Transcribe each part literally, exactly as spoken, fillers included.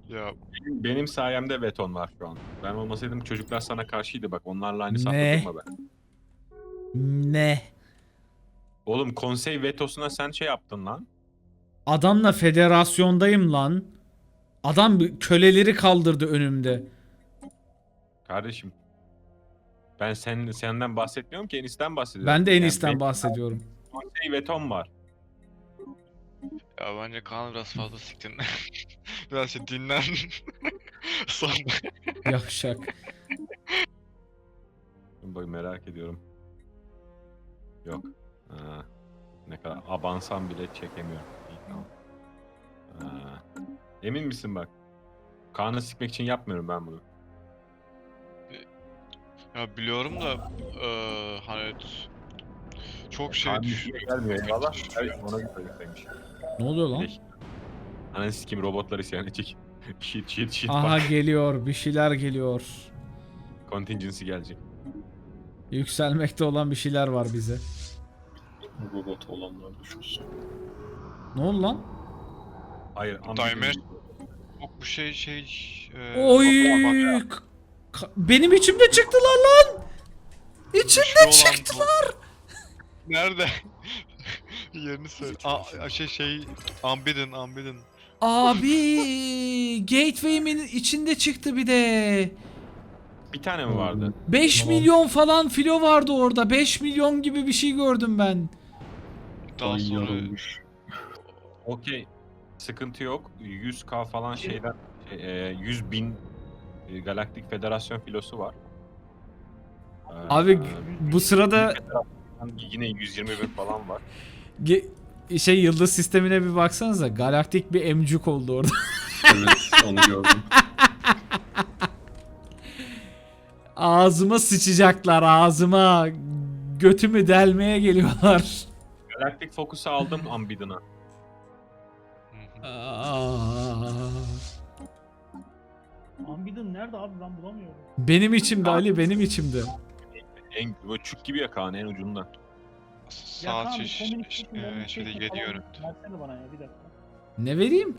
Ya Benim, benim sayemde veton var şu an. Ben olmasaydım çocuklar sana karşıydı bak. Onlarla aynı safta Ne? durma ben. Ne? Oğlum konsey vetosuna sen şey yaptın lan. Adamla federasyondayım lan. Adam köleleri kaldırdı önümde. Kardeşim. Ben sen, senden bahsetmiyorum ki Enis'ten bahsediyorum. Ben de Yani Enis'ten benim bahsediyorum. konsey vetom var. ya bence Kaan biraz fazla siktin. Biraz şey dinlen. Sonra Yavşak. Bak merak ediyorum. Yok. Ha, ne kadar abansam bile çekemiyorum. İyi, tamam. Ha, emin misin bak? Kaan'ı sikmek için yapmıyorum ben bunu. ya biliyorum da eee hani çok şey Kaan'ın düşüyor. işine gelmiyor eyvallah. Evet, ona bir söyleseymiş. Ne oluyor lan? Leş. Ananı sikeyim robotlar isyan edecek. Shit shit shit Aha bak. geliyor. Bir şeyler geliyor. Contingency gelecek. Yükselmekte olan bir şeyler var bize. Robot olanlar düşünsün. Ne oldu lan? Hayır. Timer. ambi- Yok bu şey şey eee, Oy! bak- K- ka- Benim içimde çıktılar lan! İçimde Güçlü olan çıktılar! Nerede? Yerini söyle. Aa, şey şey Unbidden Unbidden. Abi Gateway'imin içinde çıktı bir de. Bir tane mi vardı? beş Tamam. milyon falan filo vardı orada. beş milyon gibi bir şey gördüm ben. Daha Ay sonra yarılmış. Okey. Sıkıntı yok. yüz K falan şeyden şey, e, yüz bin e, Galaktik Federasyon filosu var. Ee, Abi bu sırada yine yüz yirmi bin falan var. ge- şey yıldız sistemine bir baksanıza. Galaktik bir emcuk oldu orada. Evet onu gördüm. Ağzıma sıçacaklar ağzıma. Götümü delmeye geliyorlar. Galaktik Focus'u aldım Ambidon'a. Aa. Ambidden nerede abi ben bulamıyorum. Benim içimde Ali benim içimde. En böyle çük gibi ya Kaan en ucunda. saat Kaan, şiş, communication, eee, communication şöyle falan yedi görüntü. Versene bana ya bir dakika. Ne vereyim?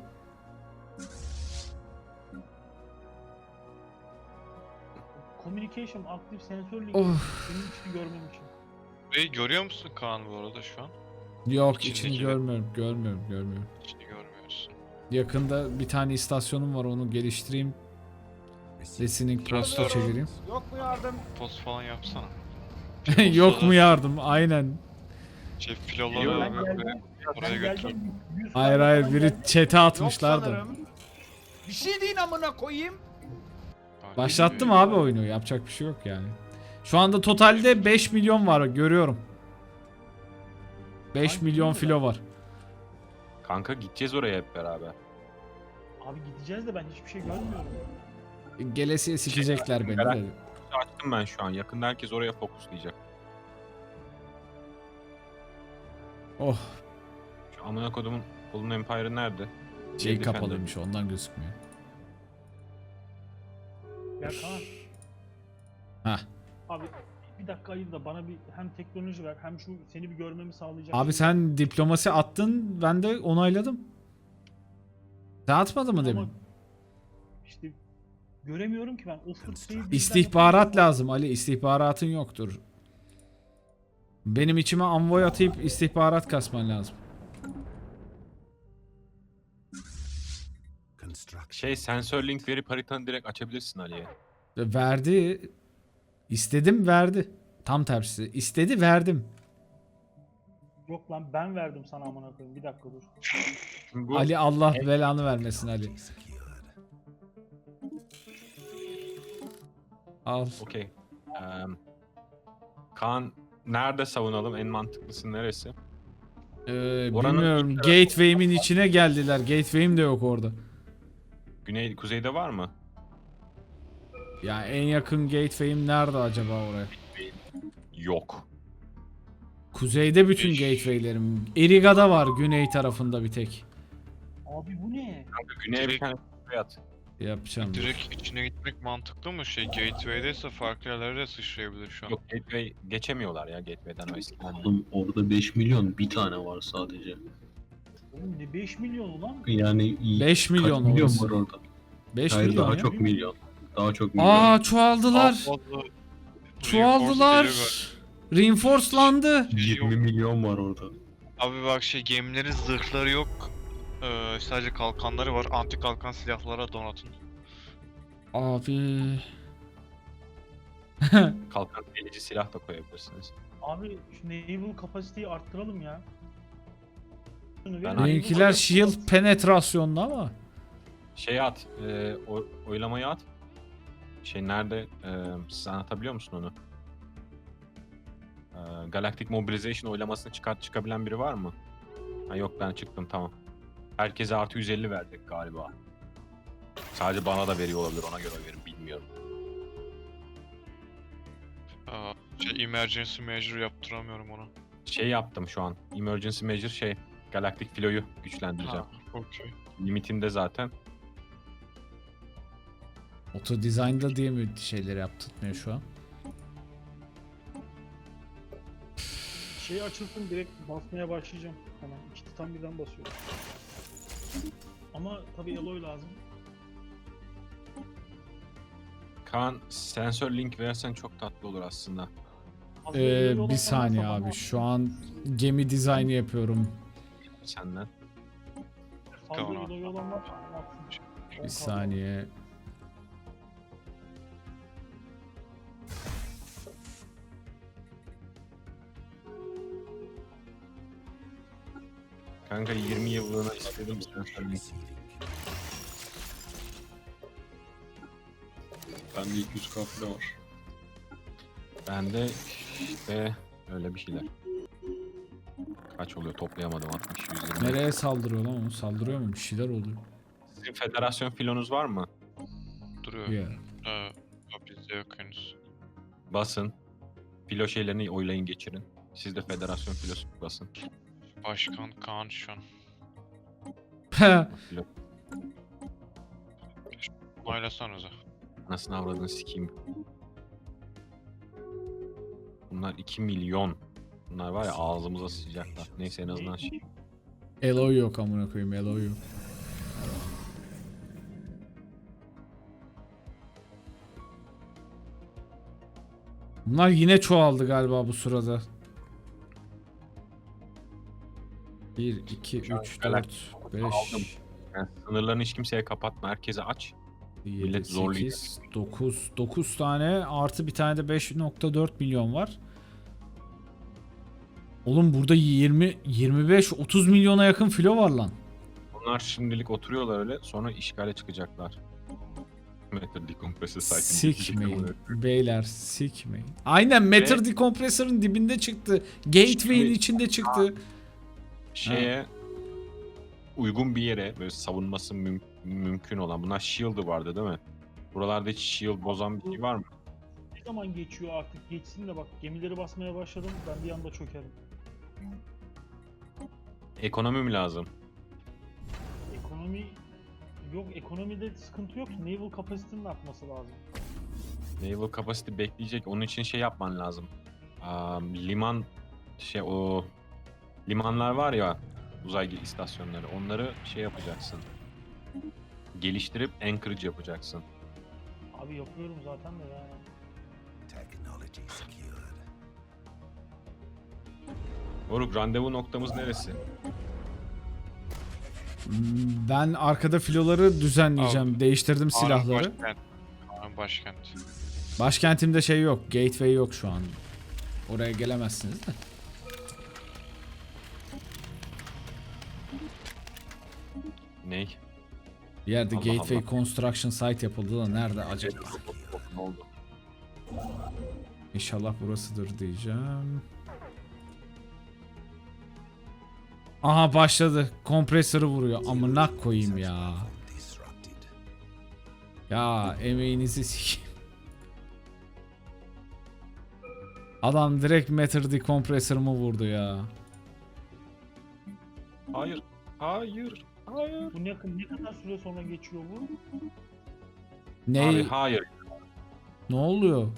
Communication aktif sensörlü Of. benim için görmem için. Burayı görüyor musun Kaan bu arada şu an? Yok İçindeki içini de- görmüyorum görmüyorum görmüyorum. Hiç görmüyorsun. Yakında bir tane istasyonum var onu geliştireyim. Listening post'a Transfer. çevireyim. Post falan yapsana. Yok mu yardım? Aynen. Şey Yok. filoları Ben ve- ve geldim. oraya Ben götür. geldim. yüz Hayır tane hayır falan biri geldi. chat'e atmışlar da. Bir şey deyin amına koyayım. Aa, Başlattım geliyor. abi oyunu yapacak bir şey yok yani. Şu anda totalde beş milyon var görüyorum. beş Hangi milyon filo filo var. Kanka gideceğiz oraya hep beraber. Abi gideceğiz de ben hiçbir şey görmüyorum. Gelesiye sikecekler beni de. Açtım ben şu an. Yakında herkes oraya fokuslayacak. Oh Şu amına kodumun Golden Empire nerede? şey Defender. kapalıymış ondan gözükmüyor. Ya Kaan Hah. abi bir dakika ayır da bana bir hem teknoloji ver hem şu seni bir görmemi sağlayacak. Abi sen diplomasi attın ben de onayladım. Sen atmadın mı Ama demin? İşte göremiyorum ki ben. O fırçayı bizden İstihbarat lazım Ali istihbaratın yoktur. Benim içime envoy atayıp istihbarat kasman lazım. Şey sensör link verip haritanı direkt açabilirsin Ali'ye. Verdi. İstedim verdi. Tam tersi. İstedi verdim. Yok lan ben verdim sana amına koyayım. Bir dakika dur. Şimdi bu Ali Allah belanı vermesin Ali. Al. okey. Eee, Kaan nerede savunalım? En mantıklısı neresi? Ee, Oranın bilmiyorum. ilk tarafı- Gateway'imin içine geldiler. Gateway'im de yok orada. Güney, kuzeyde var mı? Ya en yakın gateway'im nerede acaba oraya? Yok. Kuzeyde bütün Beş. gateway'lerim. Eriga'da var güney tarafında bir tek. Abi bu ne? Kanka güneye bir Direkt- tane kuzey at. Yapacağım. dur. Direkt içine gitmek mantıklı mı? Şey gateway'deyse farklı yerlere de sıçrayabilir şu an. Yok gateway geçemiyorlar ya gateway'den o eskiden. Oğlum orada beş milyon bir tane var sadece. Oğlum ne beş milyon ulan? Yani beş milyon kaç milyon orası. var orada? beş Hayır milyon daha ya. çok milyon. Daha çok milyon. Aa çoğaldılar. Daha fazla Çoğaldılar. reinforce geliyor Reinforcelandı. yirmi milyon var orada. galiba. Abi bak şey gemilerin zırhları yok. Ee, sadece kalkanları var. Anti kalkan silahlara donatın. Abi. Kalkan delici silah da koyabilirsiniz. Abi şu naval kapasiteyi arttıralım ya. Şunu Ben- verin, Benimkiler naval shield kapasitesi- penetrasyonlu ama. Şey at, e, o, oylamayı at. Şey nerede, e, siz anlatabiliyor musun onu? E, Galactic Mobilization oylamasını çıkart çıkabilen biri var mı? Ha yok ben çıktım tamam. Herkese artı yüz elli verdik galiba. Sadece bana da veriyor olabilir ona göre verin bilmiyorum. Aa, şey emergency measure yaptıramıyorum ona. Şey yaptım şu an. Emergency measure şey. Galactic Filo'yu güçlendireceğim. Ha, okey. Limitimde zaten. Auto design'da diye mi şeyleri yaptırtmıyor şu an? Şey açılsın direkt basmaya başlayacağım. Hemen iki titan birden basıyorum. Ama tabii Eloy lazım. Kaan sensör link versen çok tatlı olur aslında. Fazla Ee, Eloy bir olan saniye varsa abi. bana Şu an gemi dizaynı yapıyorum. Senden. Fazla Tamam. Eloy olan var. Atsın. Bir On kaldı. saniye. Kanka yirmi yıllığına istedim sensör link. Bende iki yüz K falan var. Bende işte öyle bir şeyler. Kaç oluyor toplayamadım altmış yüz yirmi. Nereye saldırıyor lan o? Saldırıyor mu? Bir şeyler oluyor. Sizin federasyon filonuz var mı? Duruyor. Yeah. Ee, ya bizde yok henüz. Basın. Filo şeylerini oylayın geçirin. Siz de federasyon filosu basın. Başkan Kaan şu an. Onaylasanıza. Nasıl avradını sikeyim. Bunlar iki milyon. Bunlar var ya ağzımıza sıcaklar. Neyse en azından şey. Eloy yok amına koyayım. Eloy yok. Bunlar yine çoğaldı galiba bu sırada. bir, iki, Şu an üç, Galactic dört, beş, Yani sınırlarını hiç kimseye kapatma. Herkese aç. yedi, Millet zorlayacak. sekiz, dokuz. dokuz tane artı bir tane de beş nokta dört milyon var. Oğlum burada yirmi, yirmi beş, otuz milyona yakın filo var lan. Bunlar şimdilik oturuyorlar öyle. Sonra işgale çıkacaklar. Matter Decompressor Site'in Sikmeyin. Beyler sikmeyin. Aynen Matter Decompressor'ın dibinde çıktı. Gateway'in Şimdi- içinde çıktı. Şeye uygun bir yere böyle savunması müm- mümkün olan. Bunlar shield'ı vardı değil mi? Buralarda hiç shield bozan bir şey var mı? Ne zaman geçiyor artık? Geçsin de bak gemileri basmaya başladım. Ben bir anda çökerim. Ekonomi mi lazım? Ekonomi yok, ekonomide sıkıntı yok. Naval kapasitenin artması lazım. Naval capacity bekleyecek. Onun için şey yapman lazım. Aa, liman şey o limanlar var ya uzay istasyonları. Onları şey yapacaksın. Geliştirip anchorage yapacaksın. Abi yapıyorum zaten de yani. Moruk randevu noktamız neresi? Hmm, Ben arkada filoları düzenleyeceğim. Abi, Değiştirdim Kaan'ın silahları. Başkent. Kaan'ın başkent. Başkentimde şey yok. Gateway yok şu an. Oraya gelemezsiniz de. Ney? Bir yerde Allah Gateway Allah. Construction Site yapıldı da nerede acaba? Ne oldu? İnşallah burasıdır diyeceğim. Aha başladı. Kompresörü vuruyor. Amına koyayım ya. Ya emeğinizi sikeyim. Adam direkt Matter Decompressor'ımı vurdu ya. Hayır. Hayır. Hayır. Bu ne, ne kadar süre sonra geçiyor bu? Ne? Abi hayır. Ne oluyor?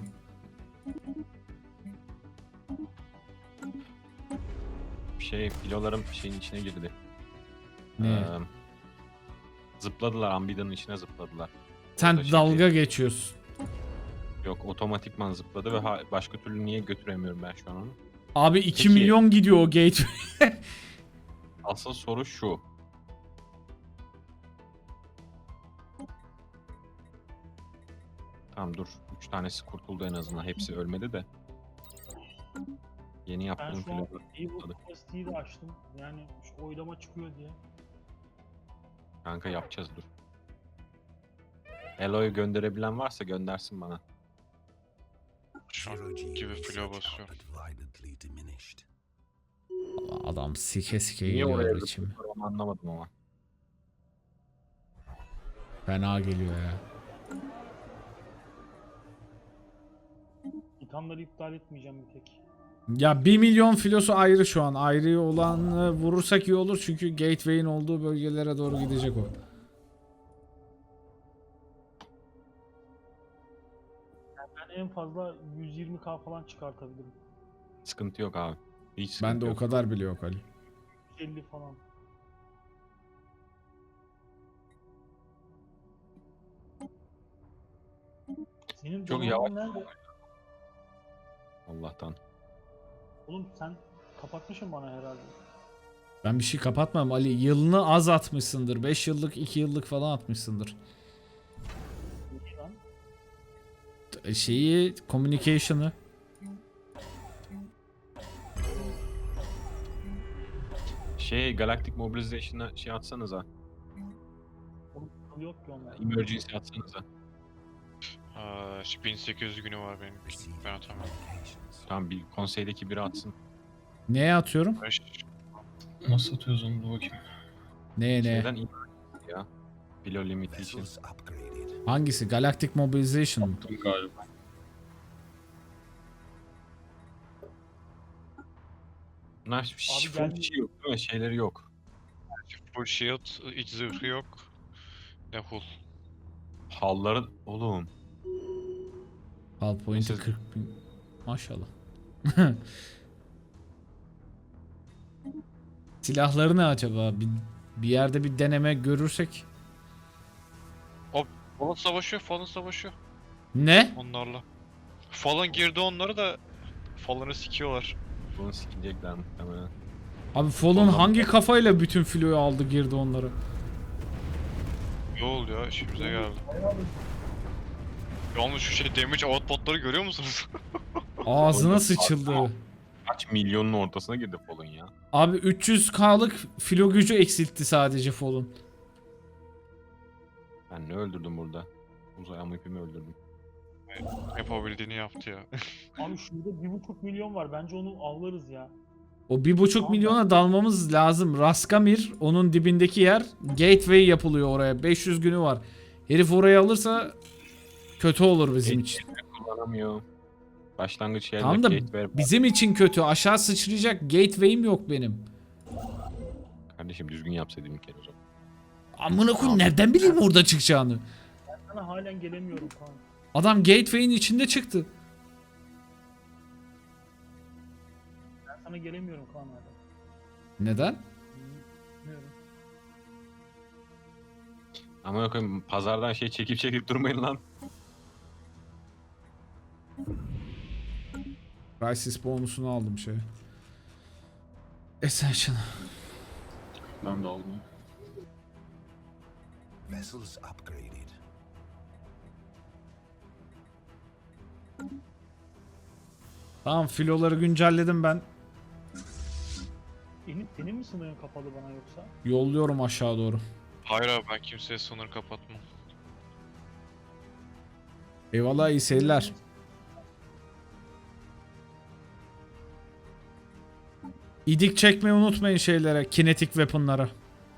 Şey filolarım şeyin içine girdi. Ne? Ee, zıpladılar. Ambidanın içine zıpladılar. Sen da şimdi- dalga geçiyorsun. Yok, otomatikman zıpladı ve ha- başka türlü niye götüremiyorum ben şu an onu? Abi iki Peki. milyon gidiyor o gate. Asıl soru şu. Tamam dur. Üç tanesi kurtuldu en azından. Hepsi ölmedi de. Yeni Ben yaptığım şu an planı. Evil Capacity'yi de açtım. Yani şu oylama çıkıyor diye. Kanka yapacağız dur. Elo'yu gönderebilen varsa göndersin bana. Şu an gibi filo basıyorum. Adam sike sike Niye geliyor oraya içime. zıplıyor onu anlamadım ama. Fena geliyor ya. İthamları iptal etmeyeceğim bir tek. Ya bir milyon filosu ayrı şu an. Ayrı olanı vurursak iyi olur çünkü gateway'in olduğu bölgelere doğru gidecek o. Ben en fazla yüz yirmi K falan çıkartabilirim. Sıkıntı yok abi. Hiç sıkıntı Bende o yok. kadar bile yok Ali. yüz elli falan. Senin Çok donaman nerede? Allah'tan. Oğlum sen kapatmışsın bana herhalde. Ben bir şey kapatmam Ali. Yılını az atmışsındır. beş yıllık, iki yıllık falan atmışsındır. İyi lan. T- Şeyi, communication'ı. Şey, Galactic Mobilization'a şey atsanıza. Oğlum akıl yok ki onlar. Emergency atsanıza. Aa, işte bin sekiz yüz günü var benim. Ben atamıyorum. Tamam, bir konseydeki biri atsın. Neye atıyorum? Beş- Nasıl atıyoruz onu da bakayım. Neye ne? Şeyden iyi ya. Below limitation. Hangisi? Galactic Mobilization mı? Attım galiba. Bunlar Abi full geldi. şey yok değil mi? Şeyleri yok. Full shield, iç zırhı yok. Ne hull. Halları oğlum. Hull point'i Siz- kırk bin. Maşallah. Silahları ne acaba? Bir, bir yerde bir deneme görürsek. Falan savaşıyor, falan savaşıyor Ne? onlarla. Falan girdi onları da Fallen'ı sikiyorlar. Bunu sikecekler muhtemelen. Abi Fallen Ondan- hangi kafayla bütün filoyu aldı girdi onları? Ne oluyor? İşimize geldi. Yalnız şu şey damage output'ları görüyor musunuz? Ağzına sıçıldı. Kaç milyonun ortasına girdi Fallen ya. Abi üç yüz K'lık filo gücü eksiltti sadece Fallen. Ben ne öldürdüm burada? Uzay amipimi öldürdüm. Yapabildiğini yaptı ya. Abi şurada bir buçuk milyon var. Bence onu avlarız ya. O bir buçuk Tamam. milyona dalmamız lazım. Raskamir onun dibindeki yer. Gateway yapılıyor oraya. beş yüz günü var. Herif orayı alırsa kötü olur bizim için. Kullanamıyor. Başlangıç yerine Tamam da gateway- bizim için kötü. Aşağı sıçrayacak gateway'im yok benim. Kardeşim düzgün yapsaydım bir kere o zaman. Amına koyayım nereden bileyim orada çıkacağını? Sana halen gelemiyorum falan. Adam gateway'in içinde çıktı. Ben sana gelemiyorum Kaan hala. Neden? Bilmiyorum. Ama koyayım pazardan şey çekip çekip durmayın lan. Crisis bonusunu aldım şey. Essential. Ben de aldım. Vessels upgraded. Tamam filoları güncelledim ben. Senin, senin mi sınırın kapalı bana yoksa? Yolluyorum aşağı doğru. Hayır abi ben kimseye sınır kapatmam. Eyvallah iyi seyirler. İdik çekmeyi unutmayın şeylere. Kinetik weapon'lara.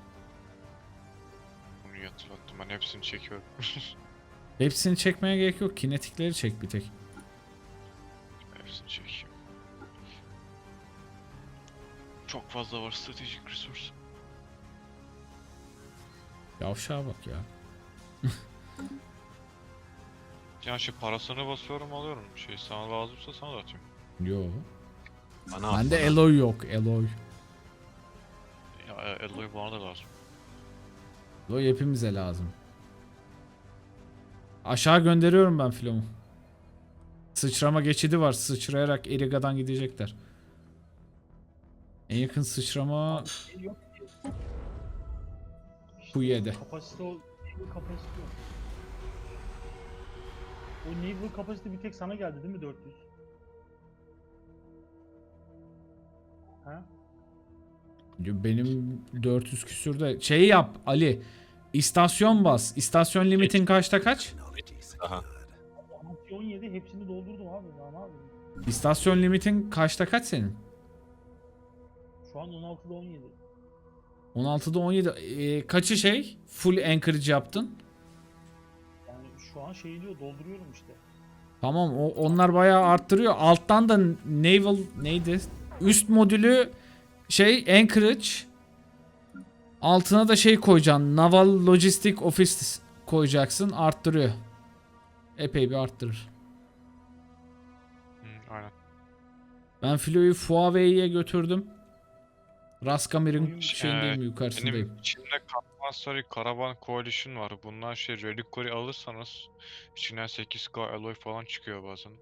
Bunu yatırlattım ben hepsini çekiyorum. Hepsini çekmeye gerek yok. Kinetikleri çek bir tek. Hepsini çekeyim. Çok fazla var stratejik resource. Yavşağa bak ya. Yani şey parasını basıyorum alıyorum. Şey sana lazımsa sana da atayım. Yo. Bana Bende bana. Eloy yok. Eloy. Ya Eloy bana da lazım. Eloy hepimize lazım. Aşağı gönderiyorum ben filomu. Sıçrama geçidi var. Sıçrayarak Eriga'dan gidecekler. En yakın sıçrama Şey yok ki. İşte Puye'de. Kapasite o. Naval kapasite yok. O naval kapasite bir tek sana geldi değil mi dört yüz? Ha? Benim dört yüz küsürde. Şey yap Ali. İstasyon bas. İstasyon limitin kaçta kaç? Technology Aha. secured. altı on yedi hepsini doldurdum abi. Daha ne yapayım? İstasyon limitin kaçta kaç senin? Şu an on altıda on yedi. on altıda on yedi. Ee, kaçı şey? Full anchorage yaptın. Yani şu an şey diyor dolduruyorum işte. Tamam o, onlar bayağı arttırıyor. Alttan da naval neydi? Üst modülü şey anchorage. Altına da şey koyacaksın. Naval Logistic Office koyacaksın. Arttırıyor. Epey bir arttırır. Hı, aynen. Ben filoyu Huawei'ye götürdüm. Raskamir'in Oyun- şeyindeyim, Ee, yukarısındayım. Benim içimde Compulsory Caravan Coalition var. Bundan şey Reliquary alırsanız içinden sekiz K alloy falan çıkıyor bazen.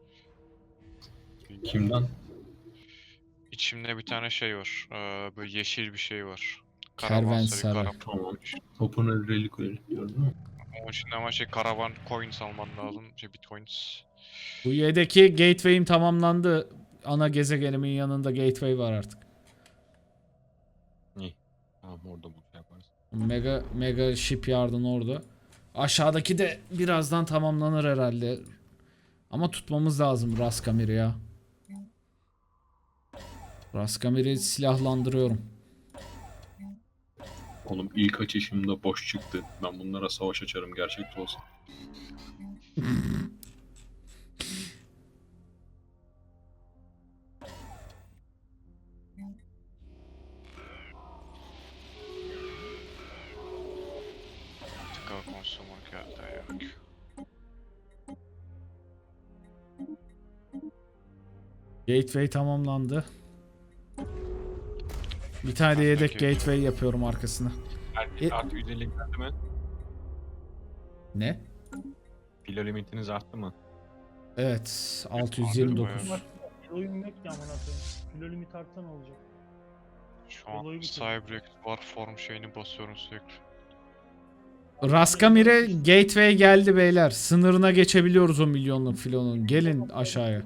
Kimden? İçimde bir tane şey var. Ee, böyle yeşil bir şey var. Kervansaray. Caravan Tamam. Open Reliquary diyorum değil mi? Onun için ama şey Caravan Coins alman lazım. Şey Bitcoins. Bu yedeki gateway'im tamamlandı. Ana gezegenimin yanında gateway var artık. İyi. Tamam orada bu şey yaparız. Mega mega shipyard'ın orada. Aşağıdaki de birazdan tamamlanır herhalde. Ama tutmamız lazım Raskamir'i ya. Raskamir'i silahlandırıyorum. Oğlum ilk açışımda boş çıktı. Ben bunlara savaş açarım gerçekte olsa. Tıkal consumer geldi yok. Gateway tamamlandı. Bir tane de yedek Peki. gateway yapıyorum arkasına. Herkes E- artı yüz elli geldi mi? Ne? Filo limitiniz arttı mı? Evet, altı yüz yirmi dokuz. Bak, oyun yok ya amına koyayım. Kilo limit artsa ne olacak? Şu an Olayı bitirdim. Cyberx var form şeyini basıyorum sürekli. Raskamir'e gateway geldi beyler. Sınırına geçebiliyoruz o milyonluk filonun. Gelin aşağıya.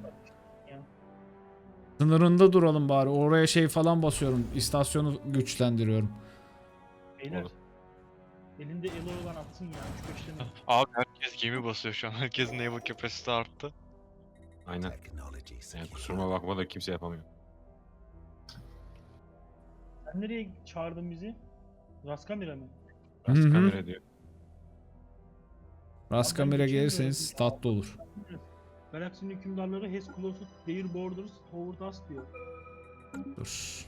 Sınırında duralım bari. Oraya şey falan basıyorum. İstasyonu güçlendiriyorum. Beyler. Olur. Elinde elo olan atsın ya. üç beş tane. Abi herkes gemi basıyor şu an. Herkesin naval capacity arttı. Aynen. Technology Yani secured. kusuruma bakma da kimse yapamıyor. Sen nereye çağırdın bizi? Raskamir'e mi? Hı hı. Rast kamera diyor. Raskamir'e gelirseniz tatlı olur. Galaksinin hükümdarları has closed their borders toward us diyor. Dur.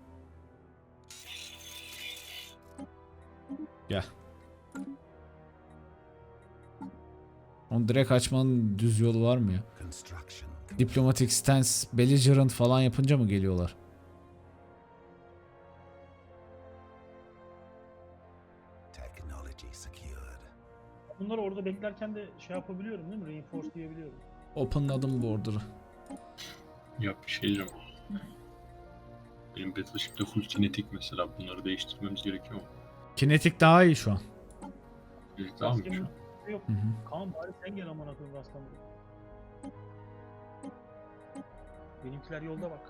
Gel. Onu direkt açmanın düz yolu var mı ya? Construction. Diplomatic stance, belligerent falan yapınca mı geliyorlar? Technology secured. Bunları orada beklerken de şey yapabiliyorum değil mi? Reinforce diyebiliyorum. Openladım border'ı. Ya bir şey diyeceğim. Benim Battleship'te full kinetik mesela. Bunları değiştirmemiz gerekiyor mu? Kinetik daha iyi şu an. Evet, tamam mı? şu Raskamir'in an? yok. Hı hı. Kaan bari sen gel amına koyayım Raskamir'e. Benimkiler yolda bak.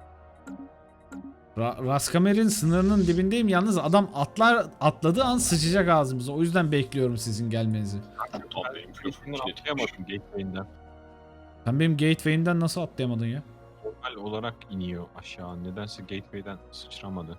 Ra Raskamir'in sınırının dibindeyim. Yalnız adam atlar atladığı an sıçacak ağzımıza. O yüzden bekliyorum sizin gelmenizi. Tam benim full Hiçbirini kinetik. atlayamadım gateway'inden. Sen benim gateway'imden nasıl atlayamadın ya? Normal olarak iniyor aşağı. Nedense gateway'den sıçramadı.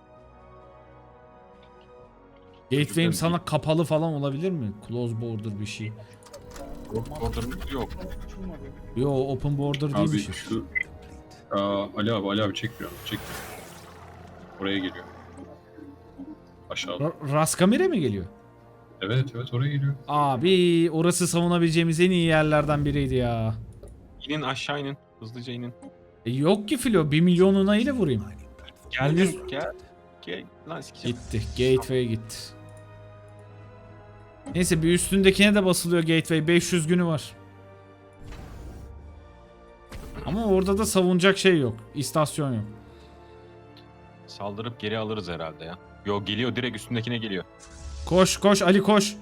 Gateway'im Özür sana dilerim. kapalı falan olabilir mi? Close border bir şey. Yok border'ımız yok. Açılmadı. Yo open border Abi değilmiş. şu... Aa, Ali abi, Ali abi çekmiyor. Çekmiyor. Oraya geliyor. Aşağıda. Ra Raskamir'e mi geliyor? Evet evet oraya geliyor. Abi orası savunabileceğimiz en iyi yerlerden biriydi ya. İnin aşağı inin. Hızlıca inin. E yok ki filo. Bir milyonuna ile vurayım. Mining platform. Geldin. Gel. Gel. Lan sikeceğim. Gitti. Gateway gitti. Neyse bir üstündekine de basılıyor Gateway. beş yüz günü var. Ama orada da savunacak şey yok. İstasyon yok. Saldırıp geri alırız herhalde ya. Yo geliyor, direkt üstündekine geliyor. Koş koş Ali koş.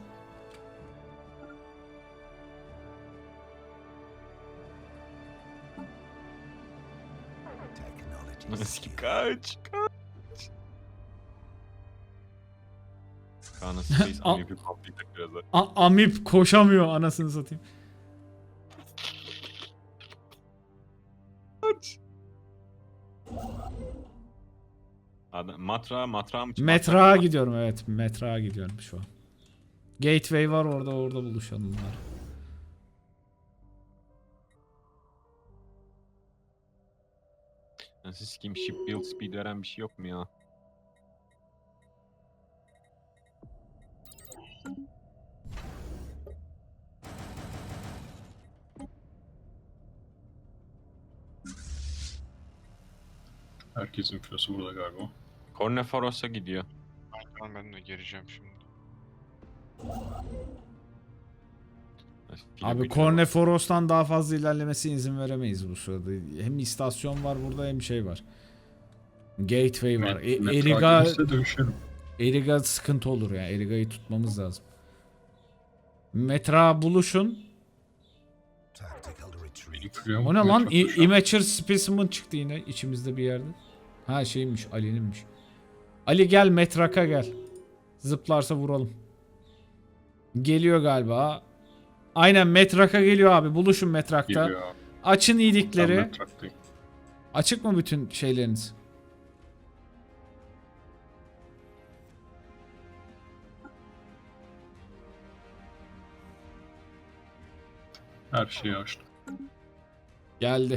Technology Nasıl ki secure. kaç kaç. Kaan'ın Space Al. Amip'i patlayacak biraz da. A- Amip koşamıyor anasını satayım. Adam, matra matra mı? Metrağa gidiyorum evet. Metrağa gidiyorum şu an. Gateway var orada, orada buluşalım var. Nasıl sikeyim, ship build speed veren bir şey yok mu ya? Herkesin filosu burada galiba. Corneforos'a gidiyor. Aynen, ben de gireceğim şimdi. Filo Abi gücüne bak. Corneforos'tan daha fazla ilerlemesine izin veremeyiz bu sırada. Hem istasyon var burada hem şey var. Gateway var. E- Met- Eriga, Metra gelirse dövüşelim. Eriga sıkıntı olur ya. Eriga'yı tutmamız lazım. Metra buluşun. Tactical retreat. Benim filoya O ne bak, lan? metra İ- koşuyor. Immature Specimen çıktı yine içimizde bir yerde. Ha şeymiş, Ali'ninmiş. Ali gel Metrak'a gel. Zıplarsa vuralım. Geliyor galiba. Aynen Metrak'a geliyor abi. Buluşun Metrak'ta. Geliyor abi. Açın Ben iyilikleri. metraktayım. Açık mı bütün şeyleriniz? Her şeyi açtım. Geldi.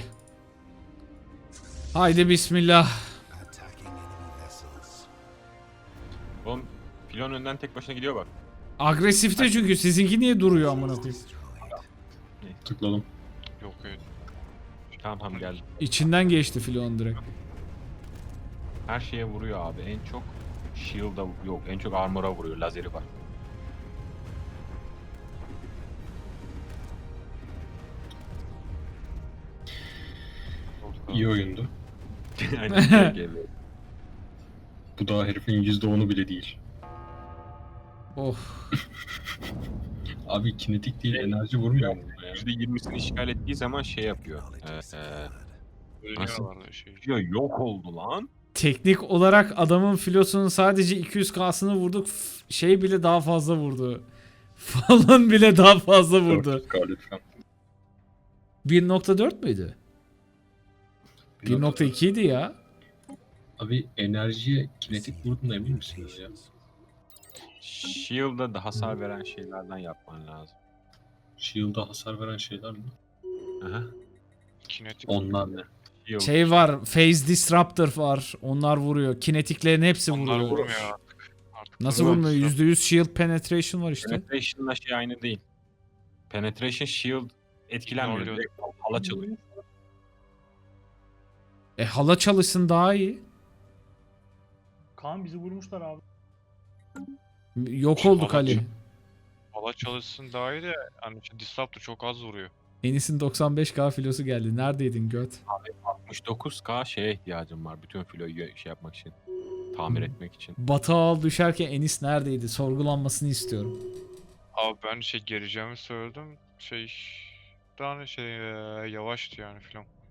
Haydi bismillah. Attacking enemy vessels. Oğlum filon önden tek başına gidiyor bak. Agresifte çünkü sizinki niye duruyor amına koyayım? Destroyed. Tıkladım. Yok evet. Tamam tamam geldi. İçinden geçti filon direkt. Her şeye vuruyor abi. En çok shield'a yok. En çok armor'a vuruyor. Lazeri var. İyi oyundu. Aynen. G G B. Bu daha herifin yüzde onu bile değil. Oh. Abi kinetik değil, enerji vurmuyor mu burada ya? yüzde yirmisini işgal ettiği zaman şey yapıyor. Technology Ee, secured. Ölüyorlar da şey. diyor yok oldu lan. Teknik olarak adamın filosunun sadece iki yüz K'sını vurduk. F- Şey bile daha fazla vurdu. Falan bile daha fazla vurdu. dört yüz K lütfen. bir nokta dört müydü? bir nokta iki idi ya. Abi enerjiye kinetik vurduğuna emin misiniz ya? Shield'a da hasar veren şeylerden yapman lazım. Shield'a hasar veren şeyler mi? Aha. Kinetik. Onlar ne? Shield. Şey var, Phase Disruptor var. Onlar vuruyor. Kinetiklerin hepsi Onlar vuruyor. vurmuyor artık. Artık Nasıl vurmuyor. vurmuyor? yüzde yüz shield penetration var işte. Penetration'la şey aynı değil. Penetration shield etkilenmiyor. Oluyor. Direkt hala çalıyor. E hala çalışsın daha iyi. Kaan bizi vurmuşlar abi. Yok Şey, olduk hala Ali. çal- Valla çalışsın daha iyi de hani işte Disruptor çok az vuruyor. Enis'in doksan beş K filosu geldi. Neredeydin göt? altmış dokuz K şeye ihtiyacım var. Bütün filoyu şey yapmak için. Tamir etmek için. Batı al düşerken Enis neredeydi? Sorgulanmasını istiyorum. Abi ben şey geleceğimi söyledim. Şey daha ne şey eee, yavaştı yani filan.